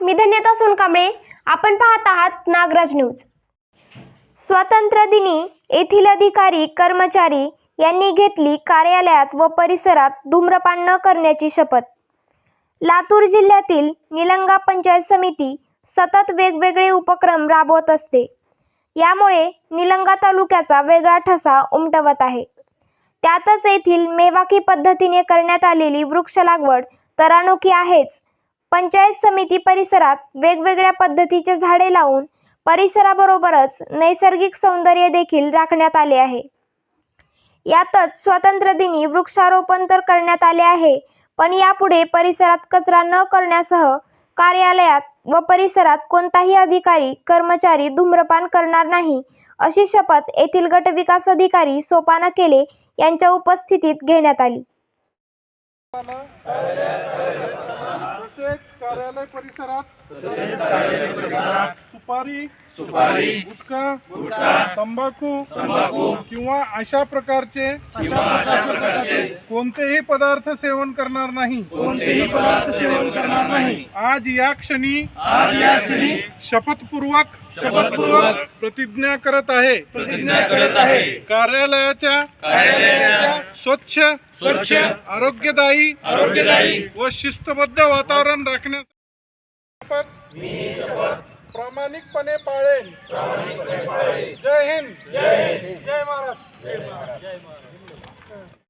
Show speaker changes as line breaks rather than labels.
मी धन्यता सोनकांबळे. आपण पाहत आहात नागराज न्यूज. स्वातंत्र्य दिनी येथील अधिकारी कर्मचारी यांनी घेतली कार्यालयात व परिसरात धूम्रपान न करण्याची शपथ. लातूर जिल्ह्यातील निलंगा पंचायत समिती सतत वेगवेगळे उपक्रम राबवत असते. यामुळे निलंगा तालुक्याचा वेगळा ठसा उमटवत आहे. त्यातच येथील मेवाकी पद्धतीने करण्यात आलेली वृक्ष लागवड तर अनोखी आहेच. पंचायत समिती परिसरात वेगवेगळ्या पद्धतीचे झाडे लावून परिसराबरोबरच नैसर्गिक सौंदर्य देखील राखण्यात आले आहे. यातच स्वातंत्र्य दिनी वृक्षारोपण तर करण्यात आले आहे, पण यापुढे परिसरात कचरा न करण्यासह कार्यालयात व परिसरात कोणताही अधिकारी कर्मचारी धूम्रपान करणार नाही अशी शपथ येथील गटविकास अधिकारी सोपान केले यांच्या उपस्थितीत घेण्यात आली.
तसेच कार्यालय परिसरात सुपारी गुटखा तंबाखू किंवा अशा प्रकारचे कोणतेही पदार्थ सेवन करणार नाही. आज या क्षणी शपथपूर्वक प्रतिज्ञा करत आहे. कार्यालयाच्या स्वच्छ आरोग्यदायी व शिस्तबद्ध वातावरण राखण्यासाठी प्रामाणिकपणे पाळेन. जय हिंद, जय महाराष्ट्र.